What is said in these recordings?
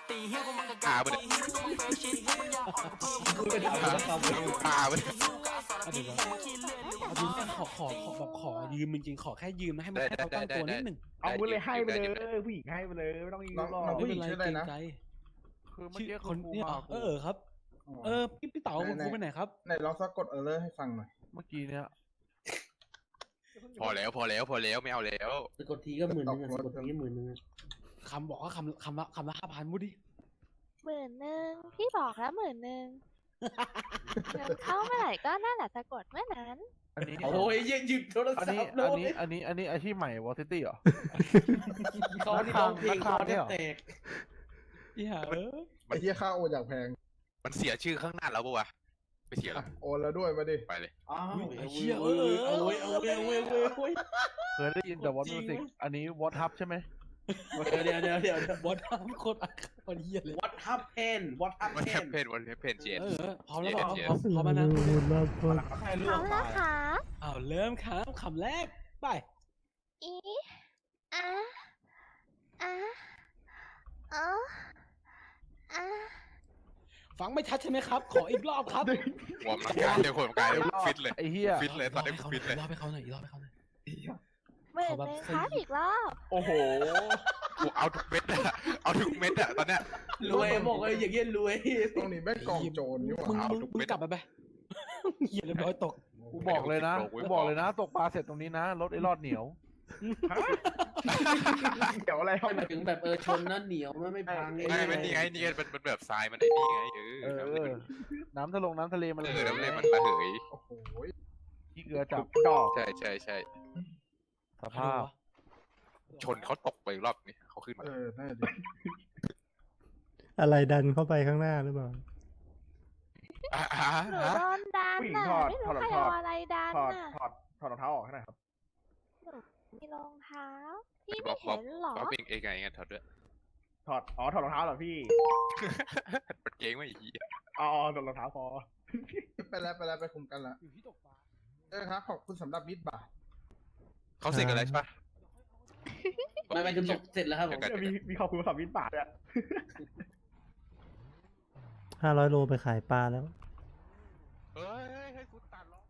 ตาไปเลยตาไปเลยเดี๋ยวเอาจริงขอยืมจริงๆขอแค่ยืมนะให้มันให้เขาตั้งตัวนิดหนึ่งเอาไปเลยให้ไปเลยผู้หญิงให้ไปเลยไม่ต้องยืมหรอกไม่เป็นไรเกรงใจคือเมื่อชื่อกี้คนเนี่ยครับพี่เต๋าคุณครูไปไหนครับไหนลองสะกดเลอร์ให้ฟังหน่อยเมื่อกี้เนี่ยพอแล้วไม่เอาแล้วสะกดทีก็10,000อ่ะสะกดทีก็10,000อ่ะคำบอกว่าคำละ5,000มุดดิ 10,000พี่บอกแล้ว10,000เงินเข้าเมื่อไหร่ก็นั่นแหละสะกดเมื่อนั้นอันนี้โอ้ยหยิบโทรอันศันี้พท์เลยอันนี้อาชีพใหม่วอลซิตี้เหรอเขาที่ร้องเพลงคอแทบแตกพี่หาไอ้เหี้ยค่าโอนอย่างแพงมันเสียชื่อข้างหน้าแล้วปะวะไม่เสียหรอโอนแล้วด้วยมาดิไปเลยอ้าวเชี่ยเอาเว้ยเคยได้ยินแต่วอตมิวสิกอันนี้วอตฮับใช่ไหมเดี๋ยวบอสโคตรคนเฮียเลย What happened What วันแคป happened เพนเจนพร้อมแล้วพร้อมแล้วนะใครพล่ร้วอง มตาแล้วยค่ะเริ่มครับคำแรกไปอีอะอะอ๋ออะฟังไม่ชัดใช่ไหมครับ ขออีกรอบครับหัวมันกายเดี๋ยวหัวมันกายฟิตเลยไอ้เหี้ยฟิตเลยตอนนี้ฟิตเลยรอบให้เขาหน่อยรอบให้เขาหน่อย 10,000ครับอีกรอบโอ้โหกูเอาทุกเม็ดอะเอาทุกเม็ดอะตอนเนี้ยรวยบอกเลยอย่างเงี้ยรวยตรงนี้แม่งกองโจรนี่หว่ามึงกลับไปเฮียเรียบร้อยตกกูบอกเลยนะตกปลาเสร็จตรงนี้นะรถไอ้รอดเหนียวเดี๋ยวอะไรหมายถึงแบบชนนั่นเหนียวไม่พังไม่นี่ไงมันแบบทรายมันไอ้นี่ไงน้ำทะเลมันน้ำทะเลมันระเหยโอ้โหขี้เกลือจับดอกใช่สภาพชนเขาตกไปรอบนี้เขาขึ้นมาน่าดีอะไรดันเข้าไปข้างหน้าหรือเปล่าหนูโดนดันน่ะไม่รู้ใครเอาอะไรดันถอดน่ะถอดรองเท้าออกให้หน่อยครับมีรองเท้าพี่ไม่เห็นหรอเขาเป็นเองไงถอดด้วยถอดรองเท้าเหรอพี่มันเก่งไม่อีกอ๋อถอดรองเท้าพอไปแล้วไปคุมกันละอยู่ที่ตกปลาครับขอบคุณสำหรับมิตรบาทเขาเสร็จกันแล้วใช่ปะไม่คือตกเสร็จแล้วครับผมมีขอบคุณสำหรับมิตรบาทอ่ะ 500 โลไปขายปลาแล้วเฮ้ยให้กูตัดล้อ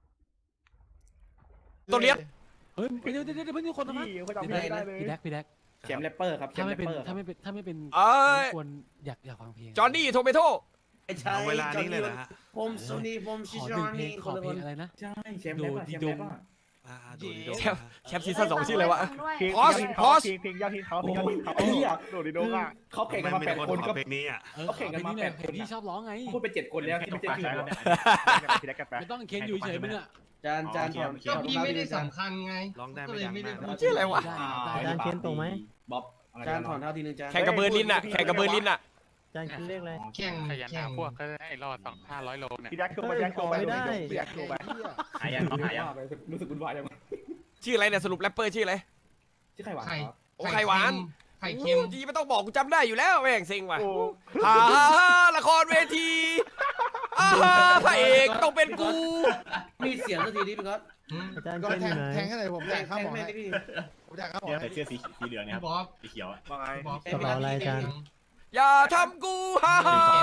ตัวเลี้ยงเฮ้ยเดี๋ยวเพิ่งคนนะพี่เขาจำไม่ได้เลยพี่แดกแชมป์แรปเปอร์ครับแชถ้ามป์แรไม่ปเป็นเปอร์ถ้าไม่เป็นเอ้ยควรอยากฟังเพลงจอห์นนี่โทเมโต้ใช่เวลานี้เลยนะผมโซนี่ผมขชิอชหนึ่งอนเพลนี่งขคอนละเพคลนงอะไรนะใช่แชมป์แรปเปอร์แชมป์แรปเปอร์แชมป์ซีซั่น2ชื่ออะไรวะเพลงพอสเพลงยอดฮิตเขาเพลงยอดฮิตเขาไอ้เหี้ยโดดดิโดอ่ะเขาแข่งกันมา8 คนก็เพลงนี้อ่ะขอเพลงนี้เนี่ยเพลงที่ชอบร้องไงพูดไป7 คนแล้วที่ไม่ใช่ชื่อผมพี่แดกกันไปไม่ต้องเคนอยู่เฉยมึงอ่ะจานถอดก็พี่ไม่ได้จานสำคัญไงร้องได้ก็ไม่เลยดังไม่ได้มากชื่ออะไรวะจานเคนตรงไหมบ๊อบจานถอนเท้าทีนึงจานแข่งกับเบอร์ลินอ่ะแข่งกับเบอร์ลินอ่ะจานคิดเลขอะไรแข่งขยันแข่หาง พวกก็ให้รอด500 โลเนี่ยพี่แดกโชว์ไปพี่แดกโชว์ไปไม่ได้พี่แดกโชว์ไปหายยังรู้สึกวุ่นวายยังชื่ออะไรเนี่ยสรุปแรปเปอร์ชื่ออะไรชื่อใครวะไข่โอ้ไข่หวานไข่เค็มจีไม่ต้องบอกกูจำได้อยู่แล้วแม่งเซ็งว่ะโอ้ฮ่าละครเวทีพระเอกต้องเป็นกูมีเสียงสักทีนี้พี่ก๊อตอาจารย์เคนอยู่ไหนแทงให้หน่อยผมแทงข้าวหมอแม่ให้พี่ผมแทงข้าวหมอให้เสื้อสีเหลืองเนี่ยพี่บ๊อบสีเขียวอ่ะว่าไงพี่บ๊อบกระเป๋าอะไรจานอย่าทำกูฮ่า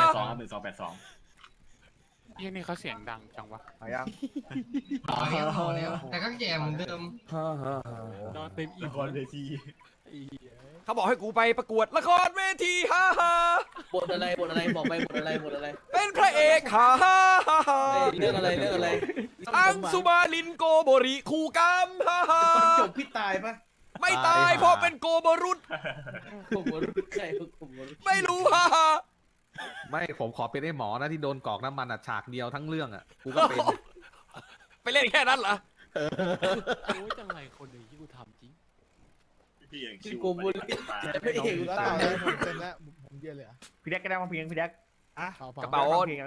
เฮ้ยนี่เขาเสียงดังจังวะหายังต่อแล้วแต่ก็แก่เหมือนเดิมนอนเต็มอิ่มเวทีเขาบอกให้กูไปประกวดละครเวทีฮ่าบทอะไรบอกไปบทอะไรเป็นพระเอกฮ่าเรื่องอะไรอังสุมาลินโกโบริคูกรรมฮ่าจบพี่ตายปะไม่ตายเพราะเป็นโกโบรุษผมรู้ใช่ผมรู้ไม่รู้ฮ่าไม่ผมขอเป็นไอ้หมอนะที่โดนกรอกน้ำมันอ่ะฉากเดียวทั้งเรื่องอ่ะกูก็เป็นไปเล่นแค่นั้นเหรอโอ้ยจังไรคนนี้ที่กูทำจริงคือโกบุลแต่ไม่เห็นแล้วผมเต็มแล้วผมเยอะเลยพี่แดกก็ได้มาเพลงพี่แดกกระเป๋า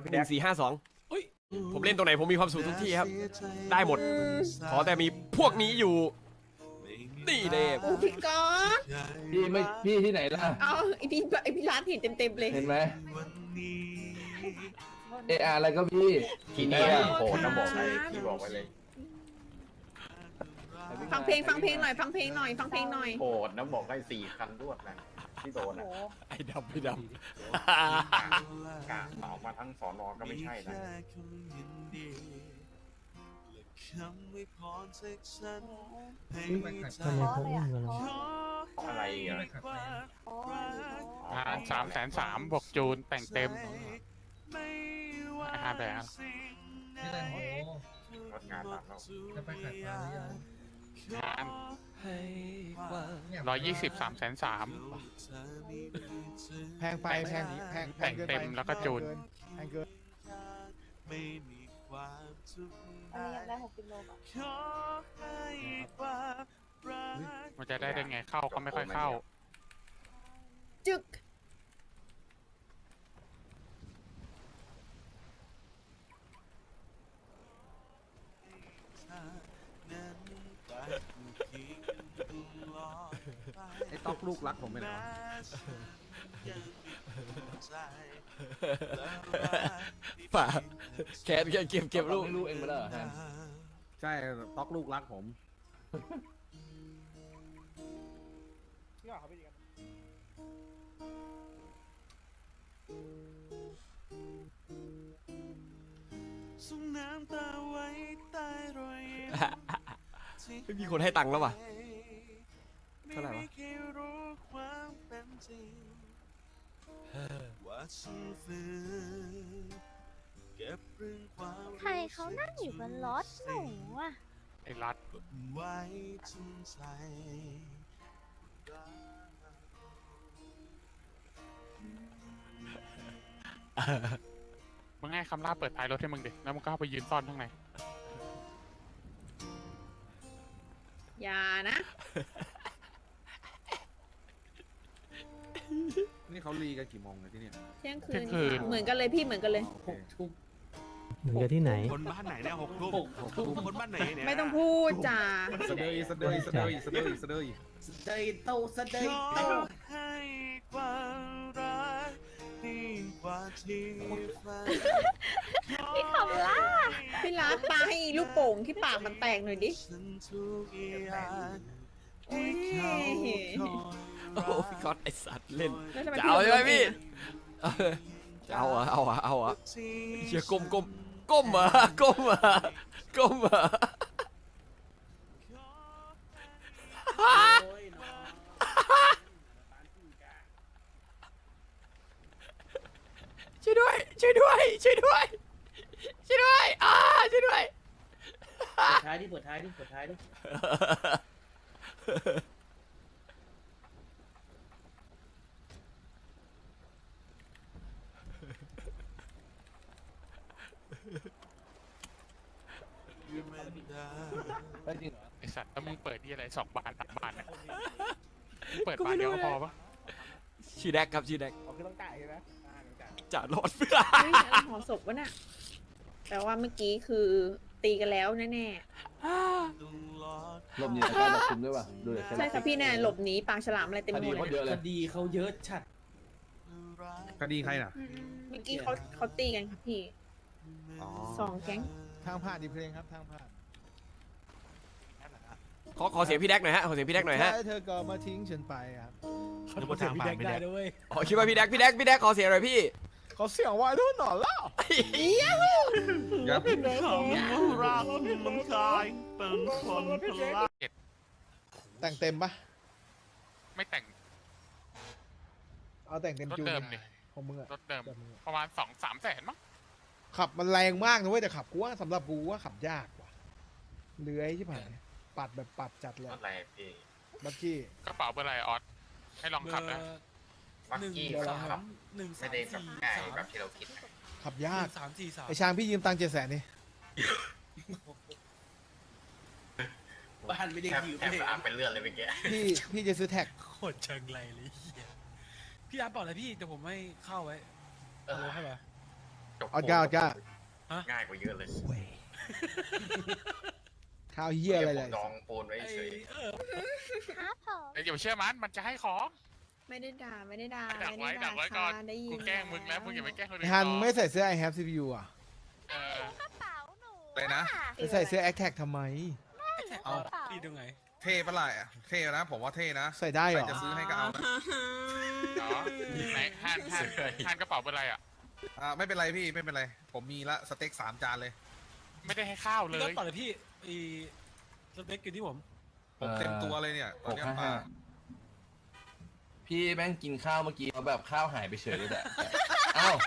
1452ผมเล่นตรงไหนผมมีความสุขทุกที่ครับ ได้หมด ขอแต่มีพวกนี้อยู่ นี่เด้พี่ก๊อตพี่ที่ไหนล่ะเอาไอพี่ร้านเห็นเต็มๆเลยเห็นไหมอะไรก็พี่ทีนี้โหดนะบอกไปพี่บอกไว้เลยฟังเพลงหน่อยโหดนะบอกให้4 คันรวดนะที่โดนอ่ะไอ้ดำไอ้ดกะออกมาทั้งสอนอก็ไม่ใช่นะทำไมเขาอุ้มกันล่ะอะไรอ่ะ 330,000บวกจูนแต่งเต็ม5แบบไม่ได้โอ้งดงานตัดแล้วจะไปขัดมาหรือยัง 120 330,000 แพงไปแพงแพงเกินแต่งเต็มแล้วก็จูนแพงเกินอันนี้ยังได้60 โลก่อนมันจะได้ไงเข้าก็ไม่ค่อยเข้าจึกไอ้ต๊อกลูกรักผมไปไหนวะำป่าแขนเก็บลูกไม่รู้เองมาแล้วเหรอฮะใช่ต๊อกลูกรักผมพี่ว่าเขาไปดีกันไม่มีคนให้ตังค์แล้วว่ะเท่าไหร่วะใครเขานั่งอยู่บนรถหนูอ่ะไอ้รัดมึงให้คำล่าเปิดท้ายรถให้มึงดิแล้วมึงก็เข้าไปยืนซ่อนข้างในอย่านะนี่เขารีกันกี่โมงเลยที่เนี่ยเที่ยงคืเที่ยนงคืนเหมือนกันเลยพี่เหมือนกันเลยโอเคเหมือนกับที่ไหนคนบ้านไหนเนี่ย6 ทุ่มคนบ้านไหนเนี่ยไม่ต้องพูดจ้าสะเดยสะเดยสะเดยสะเดยสะเดยพี่คำล่าพี่รักปาให้อีลูกโป่งที่ปากมันแตกหน่อยดิโอ้โหพี่ก๊อตไอสัตว์เล่นแล้วทำไมจะพี่เอาใช่ไหมลงพี่เองอะจะเอาเหรอเอาเหรอเชี่ยก้มเหรอก้มเหรอช่วยด้วยช่วยด้วยช่วยด้วยช่วยด้วยช่วยด้วยเปิดท้ายดิเปิดท้ายดิไอสัตว์แล้วมึงเปิดที่อะไร2 บาน3 บานเนี่ยมึงเปิดบานเดียวก็พอปะชื่อแดกครับชื่อแดกเขาคือต้องจ่ายใช่ไหมต้องจ่ายจ่ารอดเพื่อเฮ้ยเอาห่อศพวะน่ะแต่ว่าเมื่อกี้คือตีกันแล้วแน่ลมเย็นการจับคุมด้วยป่ะดูเลยๆ ใช่ค่ะพี่แน่หลบหนีปากฉลามอะไรเต็มคไปหดีมดเขาเลยเยอะเลยคดีเขาเยอะชัดคดีใครน่ะเมื่อกี้เขาตีกันค่ะพี่อ๋อ 2 แก๊งทางผ่านดีเพลงครับทางผ่านขอเสียงพี่แดกหน่อยฮะขอเสียงพี่แดกหน่อยฮะใช่เธอก็มาทิ้งฉันไปครับเขาจะเสียพี่แดกได้ด้วยอ๋อคิดว่าพี่แดกขอเสียงหน่อยพี่เขาเสียงไว้รุ่นหน่อยแล้วยับแต่งเต็มปะไม่แต่งเอาแต่งเต็มรถจูนเดิมดิของมึงอะรถเดิมประมาณ 2-3 แสนมั้งขับมันแรงมากนะเว้ยแต่ขับกูว่าสำหรับกูว่าขับยากว่ะเลื้อยใช่ไหมปัดแบบปัดจัดเลยอะไรพี่บักกี้กระเป๋าเบอร์อะไรออสให้ลองขับนะมักกี้เขาขับไม่ได้แบบง่ายแบบที่เราคิดนะขับยาก 1 3 4 3 ไอช้างพี่ยืมตังค์700,000นี่บ้านไม่ได้แทบยืมแทบจะอ่านเป็นเลือดเลยเมื่อกี้พี่จะซื้อแท็กโคตรเชิงไรเลยเหี้ยพี่รับบอกเลยพี่แต่ผมไม่เข้าไว้เอาลงให้ป่ะเอาก้าวก้าง่ายกว่าเยอะเลยข้าวเหี้ยอะไรเลยดองปูนไว้เฉยครับผมเดี๋ยวเชื่อมันจะให้ของไม่ได้ด่าดักไว้ก่อนได้ยินกูแกล้งมึงแล้วมึงอย่าไปแกล้งคนไออื่นฮันไม่ใส่เสื้อ I have CPU อ่ะเออกระเป๋าหนูอะไรนะไปใส่เสื้อ a อ t แท็กทำไมเอาพี่ดูไงเท่ปะล่ะเท่นะผมว่าเท่นะใส่ได้เหรอใครจะซื้อให้ก็เอานะอ๋อไหนห่านกระเป๋าเป็นไรอ่ะไม่เป็นไรพี่ไม่เป็นไร ผมมีละสเต็ก3 จานเลยไม่ได้ให้ข้าวเลพี่ก็ยต่อเลยพี่สเต็กอยู่ที่ผมผมเต็มตัวเลยเนี่ยตอนเนี้ยมาพี่แม่งกินข้าวเมื่อกี้เอาแบบข้าวหายไปเฉยเลยแหละอ้าว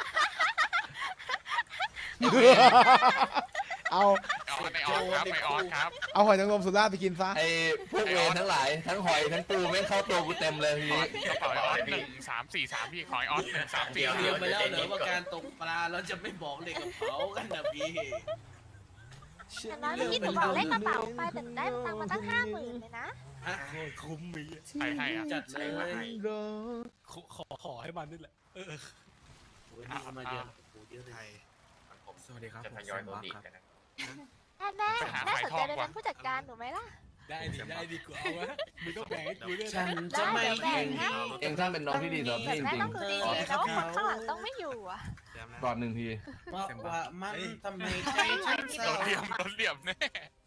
เอาไอออสครับไอออสครับเอาหอยนางรมสุราษฎร์ไปกินซะไอ้พวกเวรทั้งหลายทั้งหอยทั้งปูแม่งเข้าตัวกูเต็มเลยทีนี้กระเป๋าไอออส1 3 4 3พี่ขอไอออส1 3 4 เดี๋ยว 3 เดี๋ยวไปแล้วเหรอว่าการตกปลาเราจะไม่บอกเลยกับเขากันนะพี่แต่น้อยเมื่อกี้หนูบอกเลขกระเป๋าไปแต่หนูได้ตังค์มาตั้ง50,000เลยนะคุ้มมีใครให้อ่ะจัดเลยขอให้มันนี่แหละมาเยอะสวัสดีครับจะทยอยโดนดีกันนะแม่สนใจไปเป็นผู้จัดการหนูไหมล่ะได้ดีกว่าเอาวะมึงต้องแบ่งให้กูด้วยฉันนะจะไม่ได้เองให้เองท่านเป็นน้องที่ดีสำหรับแต่พี่จแม่ริงต้องดูดีๆนะว่าคนข้างหลังต้องไม่อยู่อ่ะๆก่อน1 ทีเพราะว่ามันทำให้ใจฉันเศโดร้านเหลี่ยมแน่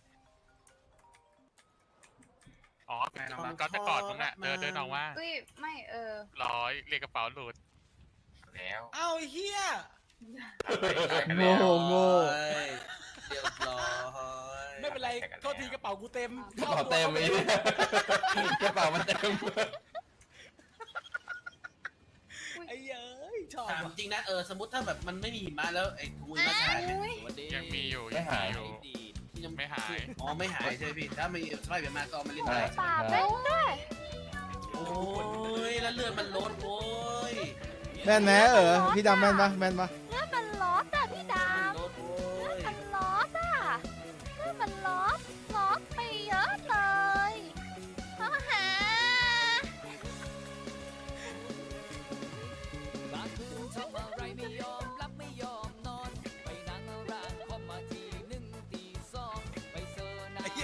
อ๋อก็จะกอดมึงอ่ะเดินออกมาอุ้ยไม่ร้อยเรียกกระเป๋าหลุดแล้วเอาเฮียโง่โง่เรียบร้อยไม่เป็นไรโทษทีกระเป๋ากูเต็มกระเป๋าเต็มไอ้เหี้ยกระเป๋ามันเต็มไอ้เย้ยชอบถามจริงนะสมมติถ้าแบบมันไม่มีหิมะแล้วไอ้กูมาถ่ายสวัสดียังมีอยู่ไม่หายยังไม่หายอ๋อไม่หายใช่พี่ถ้าไม่สบายแบบมาก็มาเล่นใช่ได้ปาเป้นด้วยโอ้ยแล้วเลือดมันลดโว้ยแม่นไหมพี่ดำแม่นปะแม่นปะเลือดมันลดอ่ะพี่ดาลดโว้เลือดยมันลดอ่ะเลือดมันลดไปเยอะเลยฮ่าฮ่าไอ้เหี้ย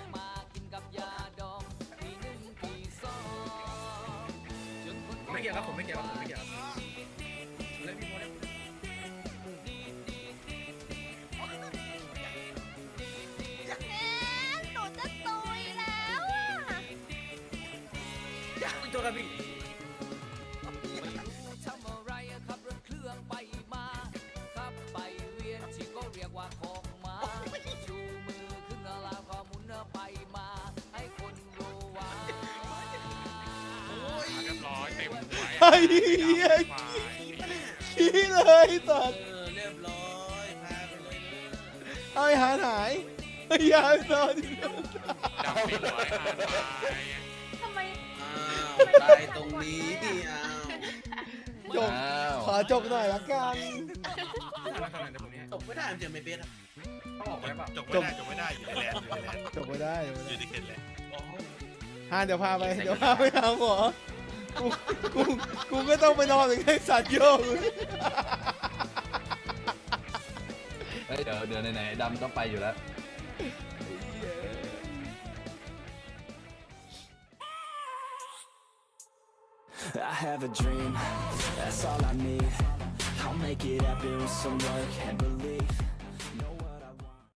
ไม่เกี่ยวครับผมไม่เกี่ยวครับผมไม่เกี่ยวครับเล่นพี่โมเล่นหนูจะตุยแล้วอ่ะอยากไปตัวกันพี่เรียบร้อยเต็มหัวไอ้เหี้ยขี้เลยสัตว์เรียบร้อยพาไปเลยเอาไอ้หายหายไอ้ยายนอนดำปีหัวหายไปทำไมอ้าวตายตรงนี้อ้าวจบ ขอจบหน่อยละกันตกไม่ได้มันจะไม่เป็นอ่ะจบไม่ได้อยู่ในแลนจบไม่ได้อยู่ในเขตแลนฮะเดี๋ยวพาไปหาหมอกูก็ต้องไปนอนถึงไอ้สัตว์โยกเฮ้ยเดี๋ยวไหนๆดำต้องไปอยู่แล้ว I have a dream, that's all I need. I'll make it happen with some work and belief.